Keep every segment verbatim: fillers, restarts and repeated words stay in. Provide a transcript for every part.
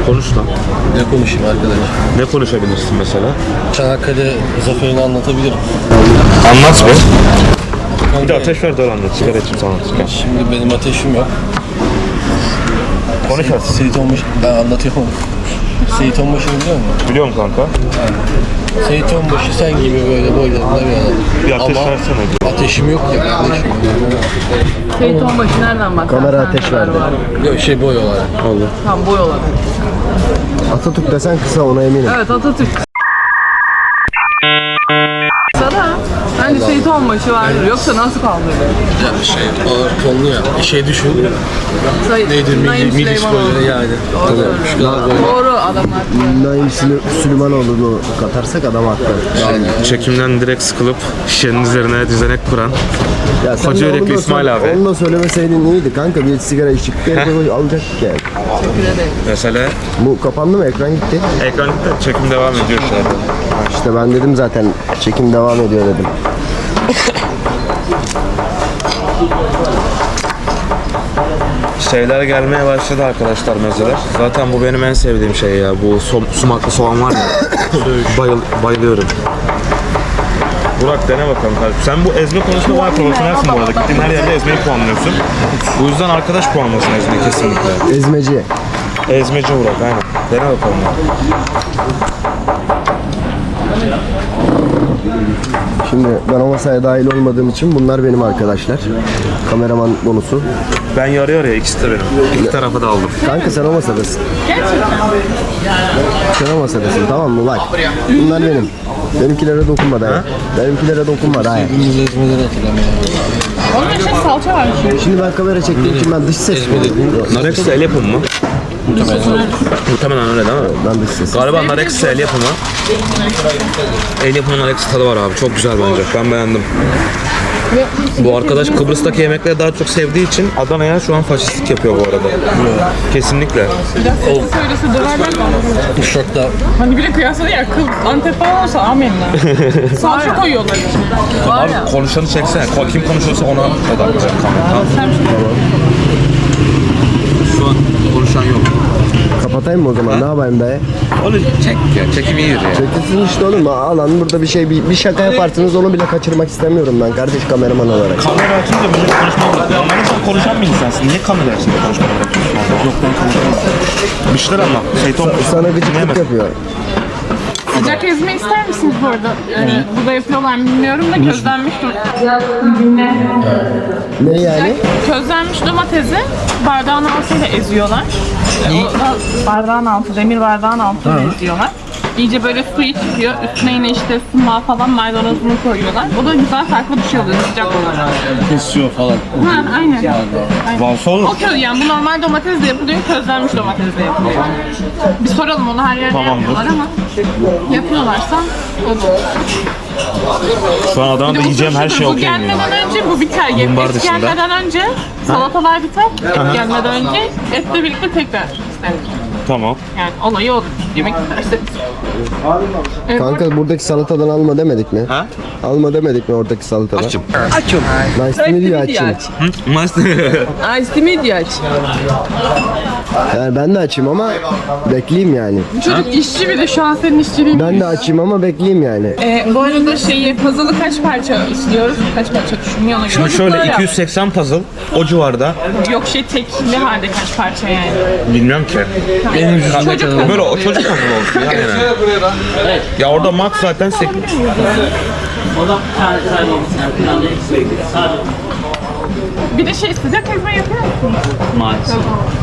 Konuş lan. Ne konuşayım arkadaş? Ne konuşabilirsin mesela? Çanakkale zaferini anlatabilirim. Anlat be. Bir de ateş ver de anlat. Sigara içim sana. Sigara. Şimdi benim ateşim yok. Konuş artık. Seyit Onbaşı, ben anlatıyorum. Seyit Onbaşı'nı biliyor musun? Biliyorum kanka. Seyit Onbaşı sen gibi böyle boylarında bir adam. Bir ateş Ama versene. ateşim yok ya kardeşim. Seyit Onbaşı nereden bak? Kamera ateş verdi. Yok şey boy olarak. Allah. Tam boy olarak. Atatürk desen kısa, ona eminim. Evet, Atatürk. Sana bence Seyit Onbaşı vardır. Yoksa nasıl kaldırır? Yani şey ağır tonlu ya. Şey düşün. Sayın Neydi? Naim Milli, milli Süleymanoğlu. sporları yani. Doğru söylüyorsun. Şu kadar böyle. Doğru adamlar. Naim Süley- Süleymanoğlu'nu katarsak adam haklı. Çekimden direkt sıkılıp şişenin üzerine düzenek kuran Ya sen Koca de yürekli onu da İsmail söyle- abi. Onu da söylemeseydin iyiydi kanka. Bir sigara içtik. Bir alacak yani. Teşekkür ederim. Mesele Bu kapandı mı? Ekran gitti. ekranda çekim devam ediyor şu anda. İşte ben dedim zaten çekim devam ediyor dedim. Şeyler gelmeye başladı arkadaşlar, mezeler. Zaten bu benim en sevdiğim şey ya. Bu som, sumaklı soğan var ya. Bayıl, bayılıyorum. Burak dene bakalım kardeşim. Sen bu ezme konusunda bayağı profesyonelsin bu arada. Gittiğin her yerde ezmeyi puanlıyorsun. Bu yüzden arkadaş puanlasın ezmeyi kesinlikle. Ezmeci. Ezmeci Burak aynen. Dene bakalım. Şimdi ben o masaya dahil olmadığım için bunlar benim arkadaşlar. Kameraman bonusu. Ben yarı yarıya, ikisi de benim. İki tarafa da aldım. Kanka sen o masadasın. Gerçekten. Sen o masadasın, tamam mı? Bak. Bunlar benim. Benimkilere dokunma dayı. Benimkilere dokunma dayı. Hepimiz ezmeleri hatırlamıyorum. Onun için salça var. Şimdi ben kamera çektiğim için ben dış ses mi olayım? Nar ekşisi el yapımı mı? Muhtemelen öyle değil mi? Ben dış ses. Galiba nar ekşisi el yapımı. El yapımı nar ekşisi tadı var abi. Çok güzel bence. Ben beğendim. Bu arkadaş Kıbrıs'taki yemekleri daha çok sevdiği için Adana'ya şu an faşistlik yapıyor bu arada. Kesinlikle. Biraz sesi söylese döverler mi? Uşak'ta Hani bile kıyasladı ya, kıl Antep falan olsa amenna. Salça koyuyorlar içine. Var ya. Abi konuşanı çeksene. Kim konuşuyorsa ona odaklanacak kamera. Sen Şu an konuşan yok. Kapatayım mı o zaman? Ne yapayım dayı? Onu çek ya. Çekim iyidir ya. Çekilsin işte oğlum. Alan burada bir şey, bir, bir şaka yaparsınız, onu bile kaçırmak istemiyorum ben kardeş, kameraman olarak. Kamera açınca millet konuşma bırakıyor. Anladın sen konuşan bir insansın. Niye kamera açınca konuşma bırakıyorsun? Yok ben konuşamam. Bir şeyler anlat. Şeytan Sana gıcıklık yapıyor. Sıcak ezme ister misiniz bu arada? Yani burada yapıyorlar mı bilmiyorum da közlenmiş Ne yani? közlenmiş domatesi bardağın altıyla eziyorlar. O da bardağın altı, demir bardağın altıyla eziyorlar. İyice böyle suyu çıkıyor. Üstüne yine işte sıma falan maydanozunu koyuyorlar. O da güzel, farklı bir şey oluyor sıcak olarak. kesiyor falan. Ha, aynen. Varsa olur. O köz yani bu normal domatesle yapılıyor, közlenmiş domatesle yapılıyor. Bir soralım, onu her yerde Tamamdır. yapmıyorlar ama yapıyorlarsa o da olur. Şu an Adana'da yiyeceğim her şey Bu okey mi ya? gelmeden önce bu biter. Mumbar Et dışında. gelmeden önce salatalar biter. Et gelmeden önce etle birlikte tekrar istenir. Tamam. Yani olayı odur. Yemek isterse. Evet, Kanka buradaki salatadan alma demedik mi? Ha? Alma demedik mi oradaki salatadan? Açım. Nice to meet you açayım. Nice to meet you aç. Yani ben de açayım ama bekleyeyim yani. bu çocuk işçi bir de şu an senin işçiliğin. Ben de açayım ama bekleyeyim yani. Ee, bu arada şeyi, puzzle'ı kaç parça istiyoruz? Kaç parça düşünüyor ona göre. Şimdi şöyle iki yüz seksen puzzle o civarda. Yok şey tekli halde kaç parça yani. Bilmiyorum ki. Benim yüzümde kadar. Böyle o çocuk puzzle olsun ya yani. Ya orada max zaten sek... Bir de şey sıcak ezme yapıyor musun? Maalesef.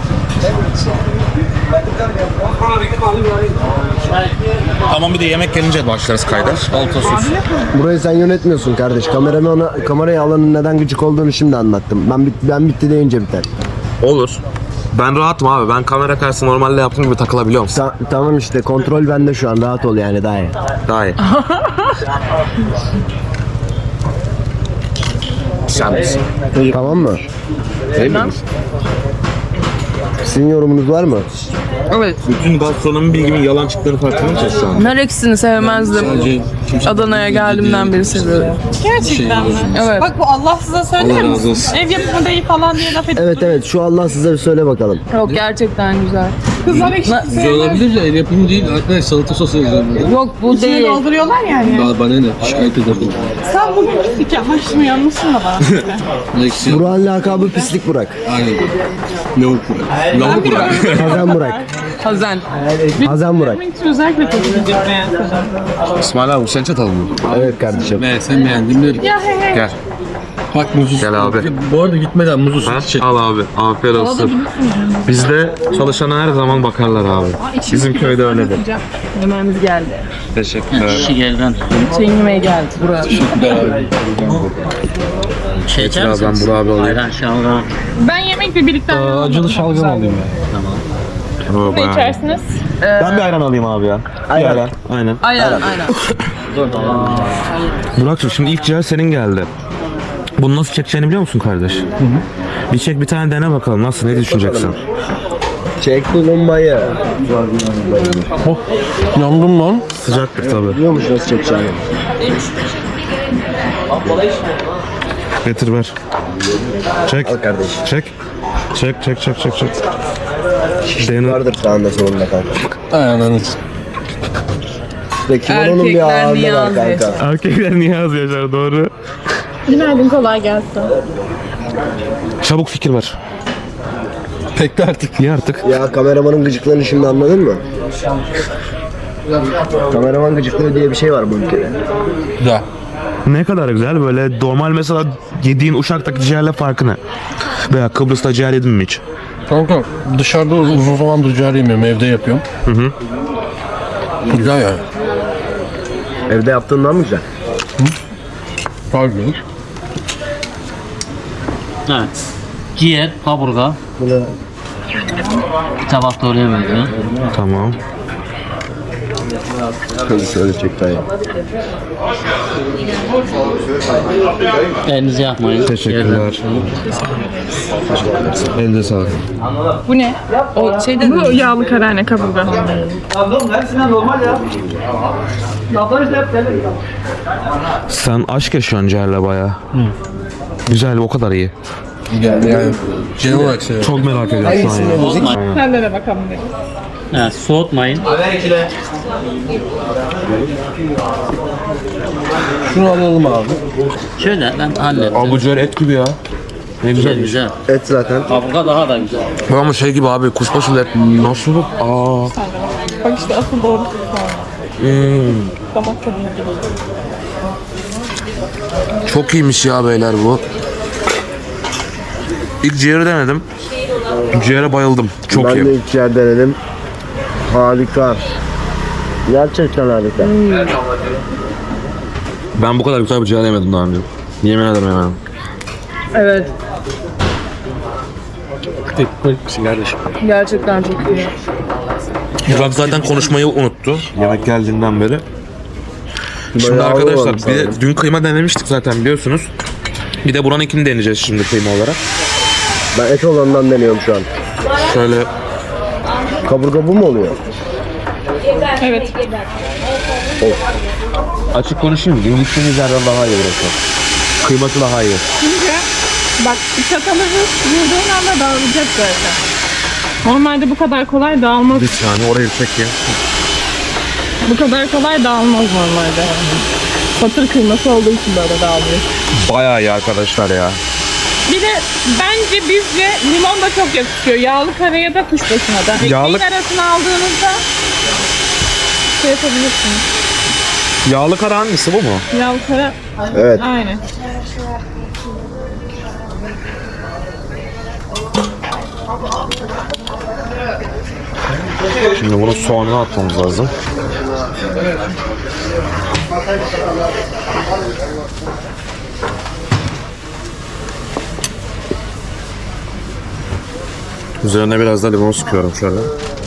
Tamam, bir de yemek gelince başlarız kayda. Alta sos. Burayı sen yönetmiyorsun kardeş. Kameramı ona, kamerayı alanın neden gıcık olduğunu şimdi anlattım. Ben bit, ben bitti deyince biter. Olur. Ben rahatım abi. Ben kamera karşısında normalde yaptığım gibi takılabiliyorum. Ta- tamam işte, kontrol bende şu an, rahat ol yani daha iyi. Daha iyi. Sen misin? Tamam mı? Değil miyiz? Sizin yorumunuz var mı? Evet. Bütün gastronomi bilgimin yalan çıktığını farkında mısın şu an? Nar ekşisini sevmezdim. Sadece Adana'ya geldiğimden beri seviyorum. Gerçekten mi? Evet. Bak bu Allah size söyler Allah razı misin? olsun. Ev yapımı değil falan diye laf edip Evet evet şu Allah size bir söyle bakalım. Yok gerçekten güzel. kızlar ekşi Güzel olabilir de el yapımı değil. Arkadaş salata sosu yazıyor burada. Yok bu İçine değil. dolduruyorlar yani. Ba- Bana ne? Şikayet ederim. Sen bugün pislik yapmış mı yanmışsın da bana söyle. Eksi. Burak'ın lakabı pislik Burak. Aynen. Lavuk Burak. Lavuk Burak. Hazan Burak. Hazen. Hazan Burak. Benim için özellikle çok gidip beğensin. İsmail abi sen çatal mı? Evet kardeşim. Ben sen beğendin mi? Ya he he. Gel. Bak muzlu. Gel abi. Bu arada gitmeden muzlu süt çek. Al abi. Afiyet olsun. Bizde çalışana her zaman bakarlar abi. Bizim köyde öyledir. Yemeğimiz geldi. Teşekkürler. Şekerden. Şeyin yemeği geldi. Buraya. Şey içer Biraz ben misiniz? Burak abi alayım. Ayran, şalgam. Ben yemekle birlikte Acılı şalgam alayım ya. Oo, ne bayağı. içersiniz? Ben bir ayran alayım abi ya. Bir ayran. Aynen. Aynen aynen. Burak'cığım şimdi ilk cihaz senin geldi. Bunu nasıl çekeceğini biliyor musun kardeş? Bir çek bir tane dene bakalım nasıl ne düşüneceksin? Çek bulunmayı. Yandım lan. Sıcaktır tabii. Biliyor musun nasıl çekeceğini? Getir ver. Çek. Al kardeş. Çek. Çek çek çek çek çek. Dene. Vardır sağında solunda kanka. Aynen. Ve kimononun bir Erkekler ağırlığı var Niyazi. kanka. Erkekler niye az yaşar doğru. Günaydın, kolay gelsin. Çabuk fikir ver. Pekti artık. Ye artık. Ya kameramanın gıcıklığını şimdi anladın mı? Kameraman gıcıklığı diye bir şey var bu ülkede. Güzel. Ne kadar güzel böyle normal mesela yediğin Uşak'taki ciğerle farkı ne? Veya Kıbrıs'ta ciğer yedin mi hiç? Kanka dışarıda uzun zamandır ciğer yemiyorum. Evde yapıyorum. Hı hı. Güzel yani. Evde yaptığından mı güzel? Pardon. Evet. Ciğer, kaburga. Bir tabak da oraya veriyor. Tamam. Şöyle şöyle çek dayı. Elinizi yakmayın. Teşekkürler. Elinize sağlık. Bu ne? O şeyden Bu yağlı karane kaburga. Sen aşk yaşıyorsun ciğerle bayağı. Güzel o kadar iyi. Yani, yani genel olarak seviyorum. Çok merak ediyorum şu an ya. Soğutmayın. Sen de de bakalım dedim. Evet, soğutmayın. Şunu alalım abi. Şöyle ben hallettim. Abi bu ciğer et gibi ya. Ne Güzel güzel. güzel. Et zaten. Kaburga daha da güzel. Bu ama şey gibi abi kuşbaşı et nasıl? Aa. Bak işte asıl doğru. Hmm. Damak tadına gibi. Çok iyiymiş ya beyler bu. İlk ciğeri denedim. Ciğere bayıldım. Çok ben iyi. de ilk ciğer denedim. Harika. Gerçekten harika. Ben bu kadar güzel bir ciğer yemedim daha önce. Yemin ederim yemedim. evet. Ekmek misin kardeşim? Gerçekten çok iyi. Burak zaten konuşmayı unuttu. Yemek geldiğinden beri. Şimdi Bayağı arkadaşlar olmamış bir de sanırım. dün kıyma denemiştik zaten biliyorsunuz. Bir de buranın ikini deneyeceğiz şimdi kıyma olarak. Ben et olanından deniyorum şu an. Şöyle Kaburga bu mu oluyor? Evet. açık konuşayım. Dün gittiğimiz yerden daha iyi burası. Kıyması daha iyi. Çünkü bak çatalı vurduğun anda dağılacak zaten. Normalde bu kadar kolay dağılmaz. Bir saniye orayı çek ya. Bu kadar kolay dağılmaz normalde. Patır kıyması olduğu için böyle dağılıyor. Bayağı iyi arkadaşlar ya. Bir de bence bizce limon da çok yakışıyor. Yağlı karaya da kuşbaşına da. Ekmeğin Yağlı- arasına aldığınızda şey yapabilirsiniz. Yağlı kara hangisi bu mu? Yağlı kara Evet. aynen. Şimdi bunu soğanına atmamız lazım. Üzerine biraz da limon sıkıyorum şöyle.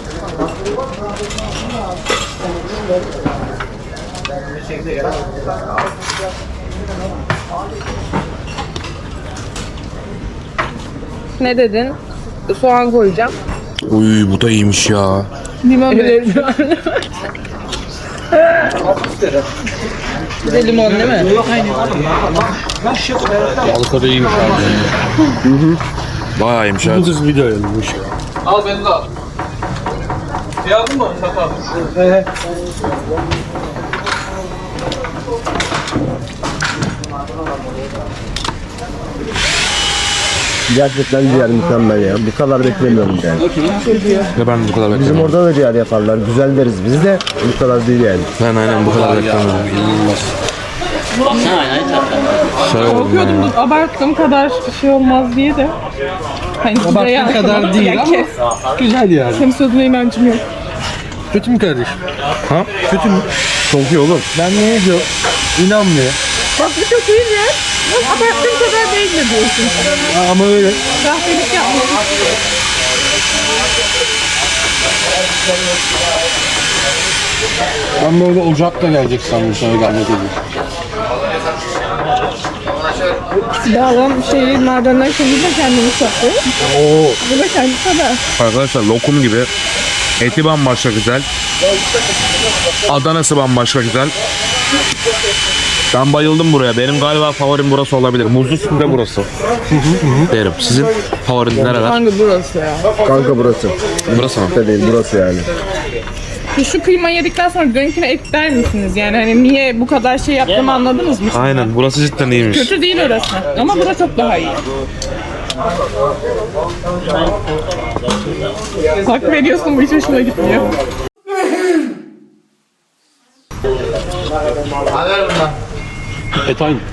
Ne dedin? Soğan koyacağım. Uy bu da iyiymiş ya. Limon Evet. Bir de limon değil mi? Aynen. Balık arı iyiymiş abi. Bayağı iyiymiş evet. Bu kız video yapmış. Al beni de al. Yazdın mı? Sakal. Gerçekten ciğer mükemmel ya. Bu kadar beklemiyorum yani. Ve ben bu kadar Bizim beklemiyorum. orada da ciğer yaparlar. Güzel deriz biz de. Bu kadar değil yani. Ben aynen bu kadar beklemiyorum. Ha, aynen zaten. Şey oldum ya. Korkuyordum abarttığım kadar şey olmaz diye de. Hani Abarttığın kadar değil ama kes. güzel yani. Senin sözüne inancım yok. Kötü mü kardeşim? Ha? Kötü mü? Çok iyi oğlum. Ben ne diyor? İnanmıyor. Bak bu çok iyi ya. Abarttığım kadar değil mi diyorsun? Ama öyle. Rahmelik yapmıyorum. Ben böyle ocakla gelecek sandım sana gelmek üzere. Silahlan şeyi merdivenden kendisi de kendini saklıyor. Oo. Bu da kendisi kadar. Arkadaşlar lokum gibi. Eti bambaşka güzel. Adanası bambaşka güzel. Ben bayıldım buraya. Benim galiba favorim burası olabilir. Muzlu üstünde burası. Derim. Sizin favoriniz nereler? Hangi burası ya? Kanka burası. Burası mı? Da değil burası yani. Şu kıyma yedikten sonra dönküne et der misiniz? Yani hani niye bu kadar şey yaptığımı anladınız mı? Aynen. Burası cidden iyiymiş. Kötü değil orası. Ama burası çok daha iyi. Hak veriyorsun, bu hiç hoşuma gitmiyor. Et aynı.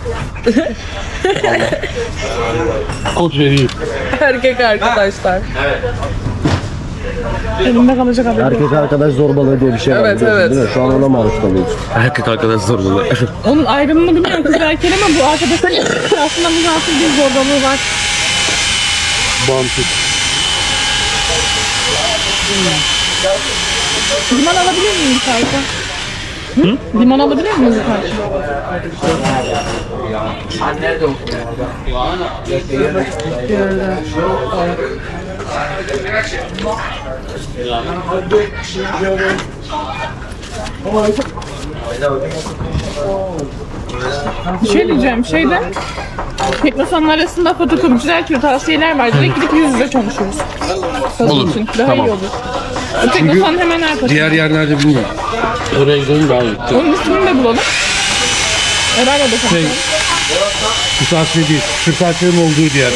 Kod vereyim. Erkek arkadaşlar. Elimde kalacak haberim. Erkek arkadaş zorbalığı diye bir şey var. Evet, biliyorsun evet. Değil mi? Şu an ona maruz kalıyoruz. Erkek arkadaş zorbalı. Onun ayrımını bilmiyorum kız erkeğin ama bu arkadaşın aslında muzafir bir zorbalığı var. Bağımsız. Limon alabilir miyim bir tane? Hı? Limon alabilir miyim bir tane? Bir şey diyeceğim, şeyde Teknosan'ın arasında fotokopiçiler türü tavsiyeler var. Direkt gidip yüz yüze konuşuruz. Olur. Için. Daha Tamam. iyi olur. O Teknosan hemen arkasında. Diğer yerlerde bilmiyorum. Oraya gidelim daha iyi. Onun ismini de bulalım. Beraber de konuşalım. Kırtasiye değil. Kırtasiyenin olduğu diğer.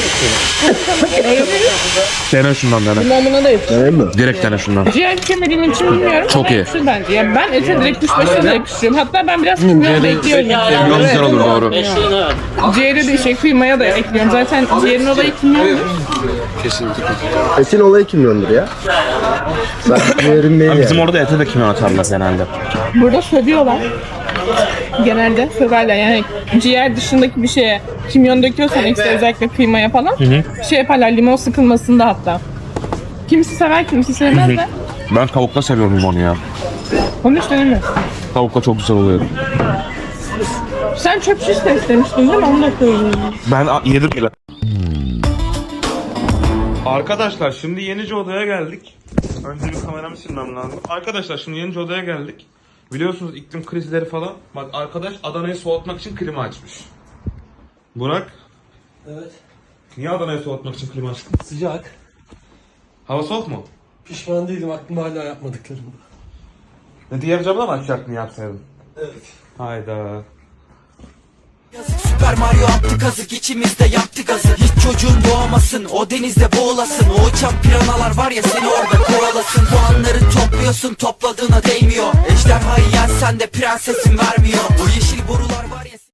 Dene şundan dene. Limonuna da yapışır. Değil mi? Direkt dene şundan. Ciğer içemediğim için bilmiyorum. Çok ama iyi. yapışır bence. Yani ben ete direkt kuşbaşına da yapıştırıyorum. Hatta ben biraz kimyon da ekliyorum. Kimyon güzel olur doğru. Beşliğin evet. Ciğeri de şey kıymaya da ekliyorum. Zaten ciğerin olayı kimyondur. Etin olayı kimyondur ya. Ben ciğerin değil Bizim yani. orada ete de kimyon atarlar genelde. Burada sövüyorlar. Genelde söverler. Yani ciğer dışındaki bir şeye kimyon döküyorsan ekstra özellikle kıymaya falan şey yaparlar limon sıkılmasında hatta. Kimisi sever kimisi sevmez de. Ben tavukla seviyorum limonu ya. Onu hiç denemiyorsun. Tavukla çok güzel oluyor. Sen çöp şiş de istemiştin değil mi? Onu da söyleyeyim. Ben a- yedim bile. Arkadaşlar şimdi Yenice Oda'ya geldik. Önce bir kameramı silmem lazım. Arkadaşlar şimdi Yenice Oda'ya geldik. Biliyorsunuz iklim krizleri falan. Bak arkadaş Adana'yı soğutmak için klima açmış. Burak. Evet. Niye Adana'yı soğutmak için klima açtın? Sıcak. Hava soğuk mu? Pişman değilim. Aklımda hala yapmadıklarım. Ne diğer camda mı açacaktın yapsaydın? Evet. Hayda. Süper Mario attı kazık içimizde yaktı gazı. Hiç çocuğun doğamasın o denizde boğulasın. O uçan piranalar var ya seni orada kovalasın. Puanları topluyorsun topladığına değmiyor. Ejderhayı yensen de prensesin vermiyor. O yeşil borular var ya.